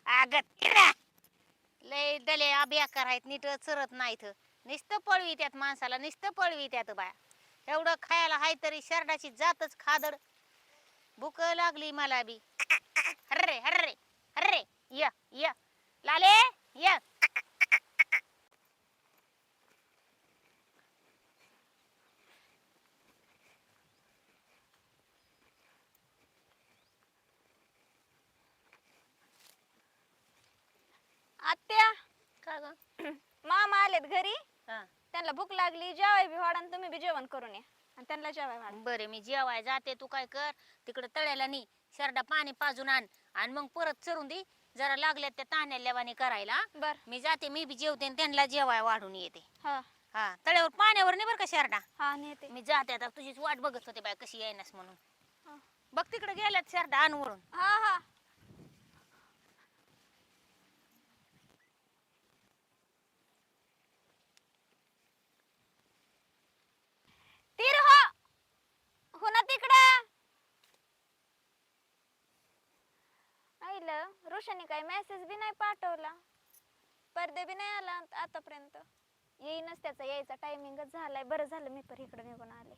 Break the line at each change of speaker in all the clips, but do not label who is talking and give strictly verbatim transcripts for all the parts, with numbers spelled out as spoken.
अगं तिला लय दले अभ्या करायत नीट चरत नाहीत नुसतं पळवी त्यात माणसाला नुसतं पळवी त्यात बाया एवढं खायला हाय तरी शरडाची जातच खादड भूक लागली मला बी हर्रे हर्रे हर्रे य य लाले य
आत्या
का ग
मामा आलेत घरी
हा
त्यांना भूक लागली जेवाय बी वाढा आणि तुम्ही बी जेवण करून या आणि त्यांना जेवाय वाढा.
बरे मी जेवाय जाते तू काय कर तिकडे तळ्याला नी शरडा पाणी पाजून आण आणि मग परत चरून दे जरा लागल्यात त्या ताण्या लेवानी करायला
बर
मी जाते मी बी जेवते आणि त्यांना जेवाय वाढून येते
हा
हा तळ्यावर पाण्यावर नाही बरं का शरडा
हा नेते
मी जाते आता तुझीच वाट बघत होते बाय कशी येईनस म्हणून
हा
बघ तिकडे गेल्यात शरडा आण वरून
हा हा तीर हो हो ना तिकडं आईलं रोशनी काही मेसेज बी नाही पाठवला पडदे बी नाही आला आतापर्यंत येईनच त्याचा यायचा टायमिंगच झालाय बरं झालं मी पण इकडे निघून आले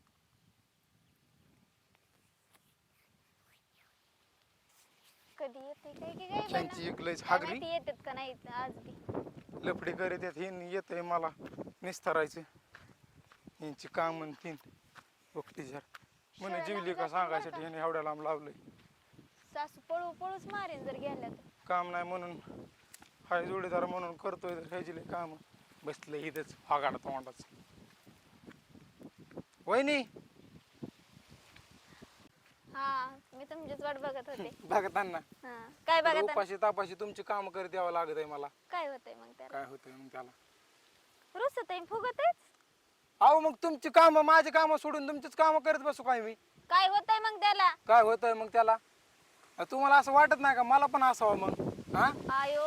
कधी येते काय की काय
त्यांची एक लयच
काय
हागरी
माहिती येतात का नाही आज बी
लफडी करीत येत हे येतंय मला निस्तारायचं यांची काम म्हणतीन वक्तीच्या म्हणे जीवली का सांगायसाठी ह्याने एवढ्या लांब लावलंय
सासू पळू पळूच मारेन जर गेल्या तर
काम नाही म्हणून हाय जोडीदार म्हणून करतोय तर ह्याची लय काम बसलं इथंच फागाड तोंडाच वहिनी
हा मी तुमचीच वाट बघत होते
बघताना
हा काय बघत
उपाशी तापाशी तुमची काम करत यावं लागत आहे मला
काय होतंय मग त्याला
काय होतंय मग त्याला
रुसत आहे फुगत
अहो मग तुमची कामं माझी कामं सोडून तुमचीच कामं करत बसू काय मी
काय होतंय मग त्याला
काय होतंय मग त्याला तुम्हाला असं वाटत नाही का मला पण असावं मग हा
आयो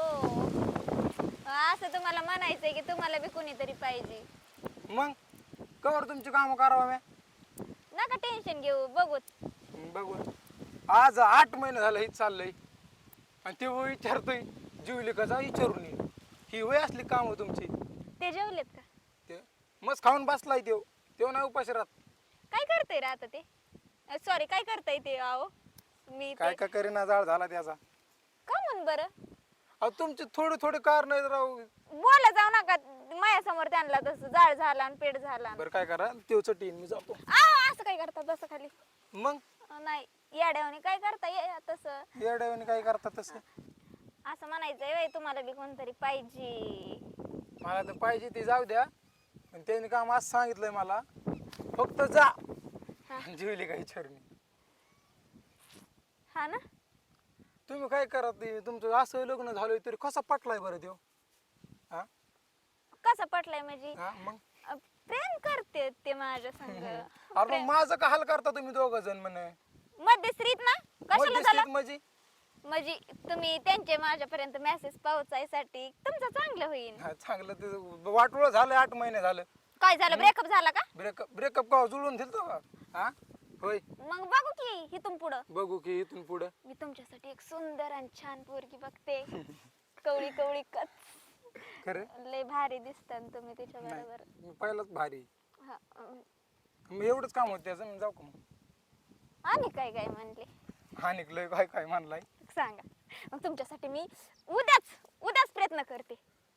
असं तुम्हाला म्हणायचंय की तुम्हाला बी कोणीतरी पाहिजे
मग कवर तुमची कामं करावं मी
नका टेन्शन घेऊ बघूत
बघू आज आठ महिने झालं हेच चाललंय आणि ते वय विचारतोय जीवली का जा विचारून ये ही वय असली काम तुमची
ते जेवलेत का
ते मस्त खाऊन बसलाय तेव तेव नाही उपाशी राहत
काय करताय रे आता ते सॉरी काय करताय ते आहो मी
काय
ते
काय करीना जाळ झाला त्याचा
का म्हण बरं
अहो तुमचे थोडे थोडे कारण आहेत राव
बोला जाऊ नका माझ्यासमोर त्यांना तसं जाळ झाला आणि पेट झाला
बरं काय करा तेव चटीन मी जातो
आहो असं काय करतात बस खाली
मग
अं, नाही येड्यावानी काय करता ये तसं
येड्यावानी काय करतात तसं
असं म्हणायचंय वय तुम्हाला बी कोणतरी पाहिजे
मला तर पाहिजे ते जाऊ द्या पण त्यांनी काम असं सांगितलंय मला फक्त जा जीवली का विचारून ये.
हा ना
तुम्ही काय करा ते तुमचं असं लग्न झालं तरी कसा पटलाय बरं देव हा
कसं पटलंय म्हणजे
हा मग
अं, प्रेम करते ते माझ्या संग
अरे मग माझं का हाल करता तुम्ही दोघ जण म्हणे
मध्यस्त्रीत ना कशाला झाला
मध्यस्थीत म्हणजे
म्हणजे तुम्ही त्यांचे माझ्यापर्यंत मेसेज पोहोचायसाठी तुमचं चांगलं होईल
हा, चांगलं ते वाटोळ झालं आठ महिने झालं
काय झालं ब्रेकअप झाला का
ब्रेकअप ब्रेकअप का जुळून दिलतो का हा होय
मग बघू की इथून पुढं
बघू की इथून पुढं
मी तुमच्यासाठी एक सुंदर आणि छान पोरगी बघते कवळी कवळी कच
खरं
लय भारी दिसतात तुम्ही तिच्या
नाही
बरोबर
मी पहिलाच भारी
हा, अं,
मग एवढंच काम होतं त्याचं मी जाऊ का मग
आणि काय काय म्हणले
हा निघलोय काय काय म्हणलाय
सांगा मग तुमच्यासाठी मी उद्याच उद्याच प्रयत्न करते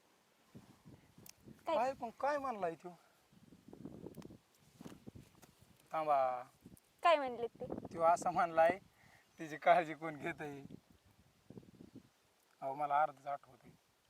काय
काय पण काय म्हणलाय तो थांबा
काय म्हणले ते
तो असं म्हणलाय तिची काळजी कोण घेत आहे अहो मला अर्धच आठवत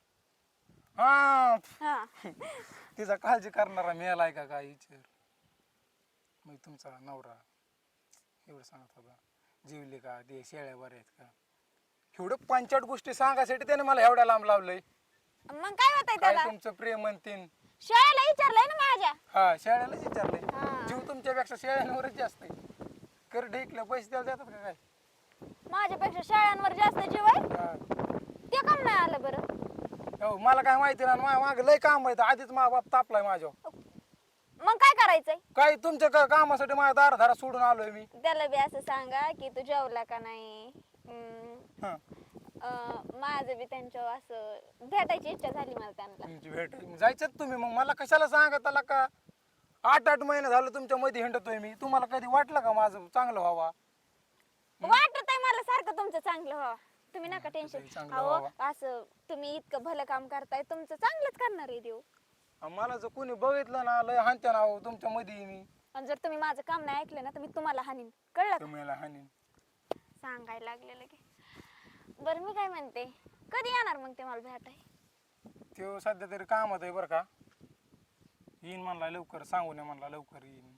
हा
हा
तिचा काळजी करणारा मिळालाय का काय विचार मग तुमचा नवरा एवढं सांगत होता जीवले का ते शेळ्या बऱ्या आहेत का एवढं पंचायत गोष्टी सांगायसाठी त्याने मला एवढ्या लांब लावलंय
मग काय होतंय
काय
त्याला
तुमचं प्रेम म्हणतीन
शाळेला विचारलंय ना माझ्या
हा शेळ्यालाच
हा.
विचारलंय जीव तुमच्यापेक्षा शेळ्यांवरच जास्त आहे कर ढेकलं पैसे द्यायला देतात का काय
माझ्यापेक्षा शाळांवर जास्त जीव आहे
हा.
ते काम नाही आलं बरं
हो मला काय माहिती ना माझ्या मागं लय काम आहे आधीच मा बाप तापलाय माझ्यावर
मग काय करायचंय?
काय तुमच्या का- कामासाठी माझ्या दाराधारा सोडून आलोय मी.
त्याला बी असं सांगा की तू जेवला का नाही. हम्म,
हा
अं, माझं बी त्यांच्या असं भेटायची इच्छा झाली मला त्यांना.
तुमची भेट जायचं तुम्ही मग मला कशाला सांगा त्याला का आठ आठ महिने झालं तुमच्या मध्ये हिंडतोय मी. तुम्हाला कधी वाटलं का माझं चांगलं व्हावा?
वाटत आहे मला सारखं तुमचं चांगलं व्हावं. तुम्ही नका टेन्शन.
तुझंही चांगलं
अहो
व्हावं.
असं तुम्ही इतकं भलं काम करताय, तुमचं चांगलंच करणार आहे देव.
आणि मला जर कोणी बघितलं ना लय हानत्या ना तुमच्या मध्ये मी
आणि जर तुम्ही माझं काम नाही ऐकलं ना तर मी तुम्हाला हानीन, कळलं का?
तुम्हाला हानीन.
सांगायला लागलेलं की. बरं मी काय म्हणते, कधी येणार मग ते मला भेटाय?
तो सध्या तरी कामात आहे बरं का. येईन म्हणला लवकर, सांगू नये म्हणला लवकर येईन.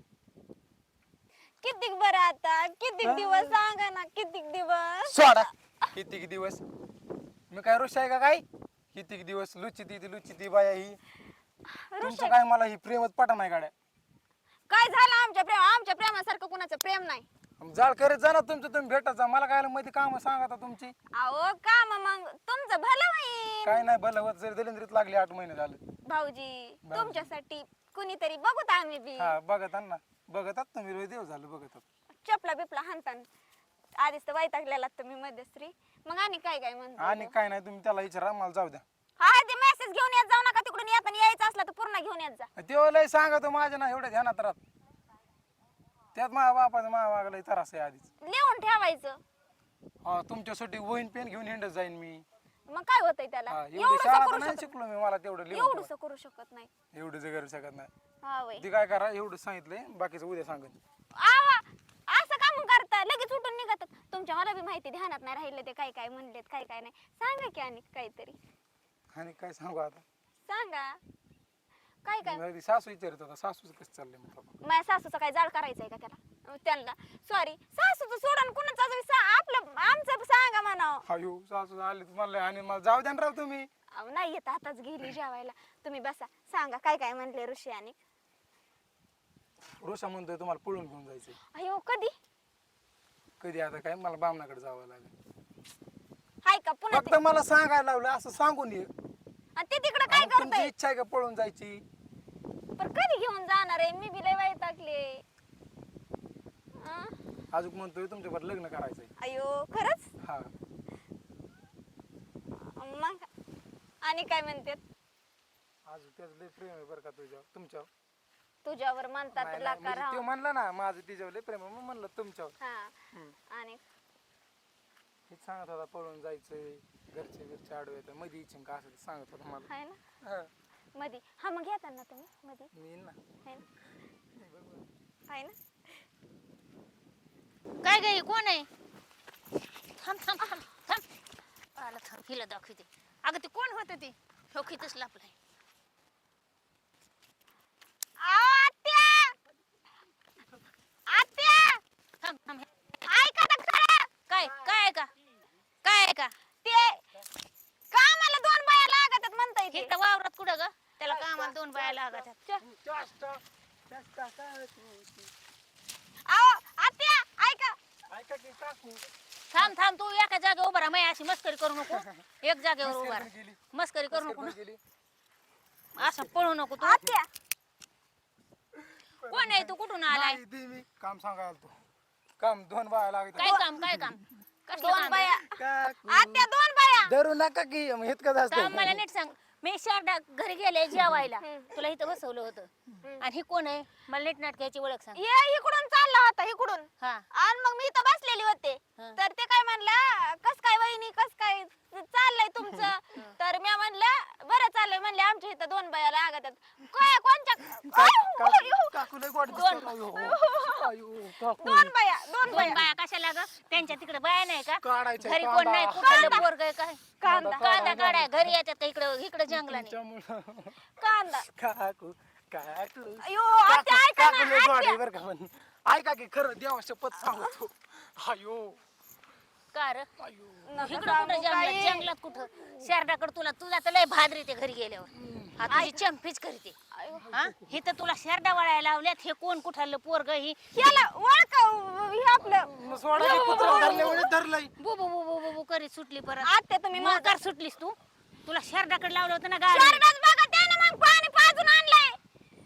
कितीक बरं आता कितीक दिवस सांगा ना, कितीक दिवस.
सोडा कितीक दिवस मी काय ऋषी आहे का काय? कितीक दिवस लुची ती लुची ती बाया ही तुमचं काय मला ही प्रेमच पटा नाही गाड्या.
काय झालं आमच्या प्रेम? आमच्या प्रेमासारखं कुणाचं प्रेम नाही.
जाळ करत जा ना तुमचं तुम्ही भेटायचा. मला काय मध्ये काम सांगा आता तुमची.
अहो काम मग तुमचं भलं होईल
काय नाही भलं होत जरी दलिंद्रीत लागली आठ महिने झाले.
भाऊजी.
भाऊजी.
तुमच्यासाठी कुणीतरी बघूत आम्ही बी.
हा बघत ना बघतात तुम्ही रोज देव झालं बघतात.
चपला बिपला हाणतान. आधीच तर वैतागलेला तुम्ही मध्यस्त्री. मग आणि काय काय म्हणतो?
आणि काय नाही तुम्ही त्याला विचारा मला जाऊ द्या.
हा ते मेसेज घेऊन येत जाऊ नका, तिकडून येताना यायचं असलं तर पूर्ण घेऊन येत जा.
तेव्हा लय सांगा तो माझ्या ना एवढ्या ध्यानात राहत. त्यात माझ्या बापाचं माझ्या वागलंय त्रास आहे आधीच.
लिहून ठेवायचं.
हा तुमच्यासाठी वहीन पेन घेऊन हिंडत जाईन मी.
मग काय होतंय त्याला?
हा एवढी
एवढंसं
शाळा तर
करू
नाही
शकत
शिकलो मी. मला तेवढं लिहून
एवढंसं करू शकत नाही.
एवढं जे करू शकत नाही.
हा वय.
ती काय करा एवढं सांगितलंय बाकीचं उद्या सांगत.
आवा असं का मग करता? लगेच उठून निघतात. तुमच्या मला बी माहिती ध्यानात नाही राहिलं ते काय काय म्हणलेत काय काय नाही. सांगा की आणि काहीतरी
आणि काय सांगू आता.
सांगा काय काय.
मग ती सासू विचारत होता सासूच कसं चाललंय म्हटलं.
माझ्या सासूचा काय जाळ करायचंय का त्याला? त्यांना सॉरी सासूचं सोडून कुणाचा बी सा- आपलं आमचं सांगा म्हणावं.
अयो सासू आली तुम्हाला आणि मला जाऊ द्या ना राव तुम्ही.
अहो, नाही येत आताच गेली जेवायला. तुम्ही बसा सांगा काय काय म्हणले ऋषी आणि.
रोषा म्हणतोय तुम्हाला पळून घेऊन जायचंय.
अयो कधी?
कधी आता काय मला बामणाकडे जावं लागेल.
हाय का पुन्हा
फक्त मला सांगायला लावलं असं सांगून ये.
आणि ते तिकडे काय
आणि तुमची
करताय?
इच्छा आहे का पळून जायची?
पण कधी घेऊन जाणार आहे? मी बी लय वैतागले. अं?
अजून म्हणतोय तुमच्यावर लग्न करायचंय.
अयो खरंच?
हा
मग आणि काय म्हणतात?
अजून त्याचं लय प्रेम आहे बरं का तुझ्यावर तुमच्यावर.
तुझ्यावर म्हणतात
नाही, नाही,
लाका
म्हणजे
राव.
तो म्हणला ना माझं तिच्यावर लय प्रेम आहे मग म्हणलं तुमच्यावर.
हा
हम्म.
आणि
हेच सांगत होता पळून जायचंय घरचे घरचे आडवे येतात मध्ये इच्छिन का असं ते सांगत होता मला.
हाय ना
हा,
मधी. हा मग येतात ना तुम्ही मधी.
मी येईन ना.
हाय ना हाय ना.
काय गे कोण आहे? थांब थांब थांब थांब आला थांब हिला दाखवते. अगं ते कोण होतं ते? ठोकीतच लापलाय.
आत्या आत्या
थांब थांब
ऐका ना खरं.
काय काय का काय का
ते कामाला दोन बाया लागतात म्हणताय ते.
इथं वावरात कुठं ग? त्याला कामाला दोन बाया लागत आहेत.
अहो आत्या ऐका.
ऐका की काकू
थांब थांब तू एका जागेवर उभा राहा. माय अशी मस्करी करू नको. एक जागेवर उभा
मस्करी
राहा.
केली.
मस्करी करू नको ना.
गेली.
असं पळू नको तू.
आत्या
कोण आहे तू? कुठून आलाय?
नाही, ती मी काम सांगायला तो काम दोन बाया लागत
काय काम काय काम कसलं
दोन
काम
बाया.
आहे?
काकू
आत्या दोन बाया.
धरू नका की मग इतकं
थांब,
जास्त
मला नीट सांग. मी शारदा घरी गेले जेवायला. तुला इथं बसवलं होतं आणि ही कोण आहे? मला नीट नाटकाची ओळख सांग.
ये इकडून चालला होता इकडून.
हा
आणि मग मी इथं बसलेली होते.
हा.
तर ते काय म्हणला कस काय वहिनी कस काय चाललंय तुमचं? तर मी म्हणलं बरं चाललंय म्हणले आमच्या इथं दोन बाया लागतात. काय कोणच्या? आयो, आयो.
काकू लय गोड
दोन.
दिसतात. अयो, अयो, काकू.
दोन बाया दोन
दोन
बाया.
बाया कशाला ग? त्यांच्या तिकडे बाया नाही का?
काढायचं
घरी
कांदा.
कोण नाही कुठलं पोरग आहे काय?
कांदा
कांदा काढाय घरी येतात का इकडं इकडं जंगलाने?
तुमच्यामुळं.
कांदा.
काकू काकू
अयो आत्या
काकू
ऐका
काकू
ना
लय गोड आहे
आत्या.
बरं का पण. ऐका की खरं देवा शपथ सांगतो. अयो
का रे?
अयो
नका
इकडं
सांगू
कुठं जंगलात
काही.
जंगलात कुठं? शारदाकडे तुला तुझा तर लय भादरी ते घरी गेल्यावर. हा तुझी चंपीच करते.
अयो.
हा हे तर तुला शारदा वळायला लावल्यात. हे कोण कुठालं पोरग ही?
याला ओळख हे आपलं
मग सोडा की कुत्रं धरले म्हणजे धरलंय.
बु बु बु बु बु- बु करीत सुटली परत.
आत्या तुम्ही माझं
मोकार सुटलीस तू. तुला शारदाकडे लावलं होतं ना गाडी.
शारदाच बघा त्याने मग पाणी पाजून आणलंय.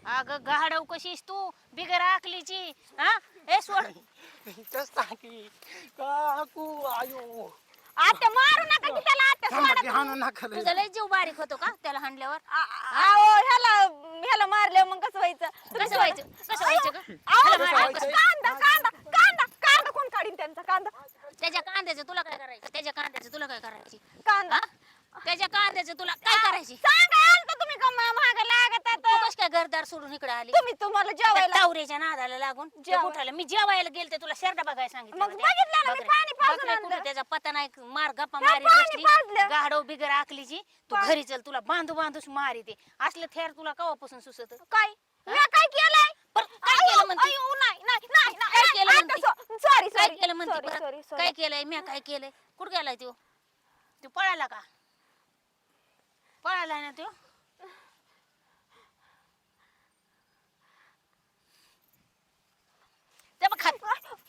अगं गाढव कशीस तू बिगर आकलीची हा हे सोड
कसं की काकू आयो
आत्या मारू नका की त्याला आत्या
थांबा
सोडा
की हाणू नका लय.
तुझा लय जीव बारीक होतो का त्याला हाणल्यावर
अहो ह्याला ह्याला मारले मग कसं व्हायचं तुम्ही
कसं व्हायचं कसं व्हायचं का
अहो,
ह्याला मारलं
व्हायचं?
कसं?
कांदा कांदा कांदा कांदा कोण काढीन त्यांचा कांदा
त्याच्या कांद्याचं तुला काय करायचं त्याच्या कांद्याचं तुला काय करायची
कांदा
हा? त्याच्या कांद्याचं तुला काय करायची
सांगा आलता तुम्ही का महाग लागत
तू
आता
कस काय घरदार सोडून इकडे आली
तुम्ही तुम्हाला जेवायला
तावरेच्या नादाला लागून ते
जेवाय-
कुठाला मी जेवायला गेलते तुला शर्ट बघायला सांगितलं
मग
होतं.
बघितलं ना, मी
बकरे-
पाणी पाजून
बकरे
आणलं.
कुठे त्याचा पता नाही मार गप्पा
त्या
मारी
पाणी
बसली
पाजलं.
गाढव बिगर आकलीची तू
पा-
घरी चल तुला बांधू बांधूच मारी ते असलं थेर तुला कवापासून सुसत
काय मी काय केलंय
पण काय केलं म्हणते?
अयो, नाही नाही नाही
काय केलं म्हणते?
सॉरी
काय
सॉरी
केलं म्हणते
सॉरी
परत?
सॉरी
काय केलंय मी काय केलंय कुठं गेलाय तो तू पळाला का पळाला ना तो ते बघ खात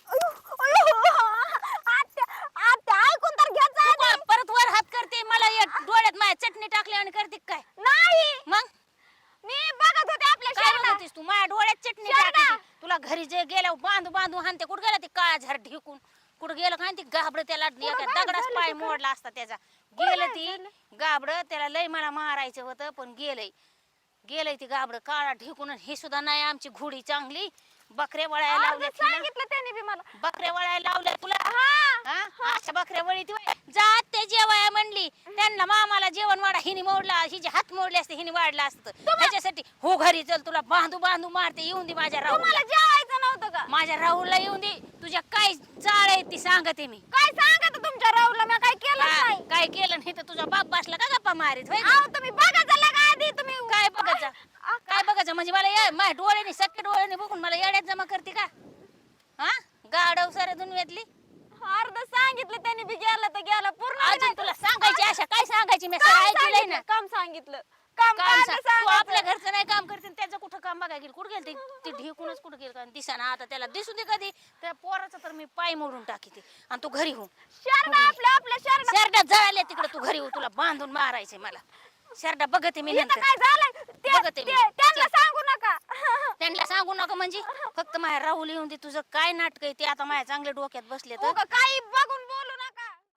ऐकून तर घ्या
तू का परत वर हात करते मला एक डोळ्यात माझ्या चटणी टाकली आणि करते काय
नाही
मग
मी बघत होते आपल्या
काय
शहरात
बघतेस तू माझ्या डोळ्यात चटणी
शेरडा.
टाकायची तुला घरी जे गेल्या बांधू बांधू हानते कुठं गेला ते काळा झाड ढिकून कुठं गेलं काय ते गाबड त्याला एका
गायब
दगडाच
झालं
पाय
ते का?
मोडला असता त्याचा
कुठं
गेलं
गायब
ती
झालं?
गाबड त्याला लय मला मारायचं होतं पण गेलंय गेलंय ती गाबड काळा ढिकून हे सुद्धा नाही आमची घोडी चांगली बकऱ्या वळायला
अर्धं
लावल्या तिला.
सांगितलं त्यांनी बी मला
बकऱ्या वळायला लावल्या तुला
हा
हा अशा बकऱ्या वळी ती जात ते जेवाया म्हणली त्यांना मामाला जेवण वाढा हिने मोडला हिचे हात मोडले असते हिने वाढला असतं त्याच्यासाठी हो घरी चल तुला बांधू बांधू मारते येऊन दे माझ्या राहू
तुम्हाला जेवायचं नव्हतं का
माझ्या राहुलला येऊन दे तुझ्या काय चाळ आहे ती सांगते मी
काय सांगत तुमच्या राहुलला मी काय केलं
का-
नाही
काय केलं नाही तर तुझा बाप बसला का गप्पा मारीत होय
अहो तुम्ही बघा चला का आधी तुम्ही
काय बघायचं काय बघायचं म्हणजे मला या- माझ्या डोळ्याने सख्या डोळ्याने बघून मला येड्यात जमा करते का हा गाडव साऱ्या दुनियातली
अर्ध सांगितलं त्यांनी बी गेलं तर गेलं पूर्ण बी
अजून
नाही.
तुला सांगायची आशा काय सांगायची मी
काम
सगळं ऐकलंय
सांगितलं,
ना
काम सांगितलं काम
काम
काय
सांग.
ते
तू
सांगायचं.
आपल्या घरचं नाही काम करते आणि त्याचं कुठं काम बघायला गेली कुठं गेली ती ढेकूनच कुठं गेलं का दिसाना आता त्याला दिसू दे कधी त्या पोराचं तर मी पाय मोडून टाकी ते आणि तू घरी हो
शरडा आपल्या आपल्या शरडा
शर्टात जळाले तिकडे तू घरी हो तुला बांधून मारायचे मला शर्टा बघते मी
इथं
नंतर
काय झालंय ते-
बघते मी.
ते- त्यांना सांगू नका
त्यांना सांगू नका म्हणजे फक्त माझ्या राहुल येऊन दे तुझं काय नाटक आहे ते आता माझ्या चांगल्या डोक्यात बसले तर
उगा काही बघू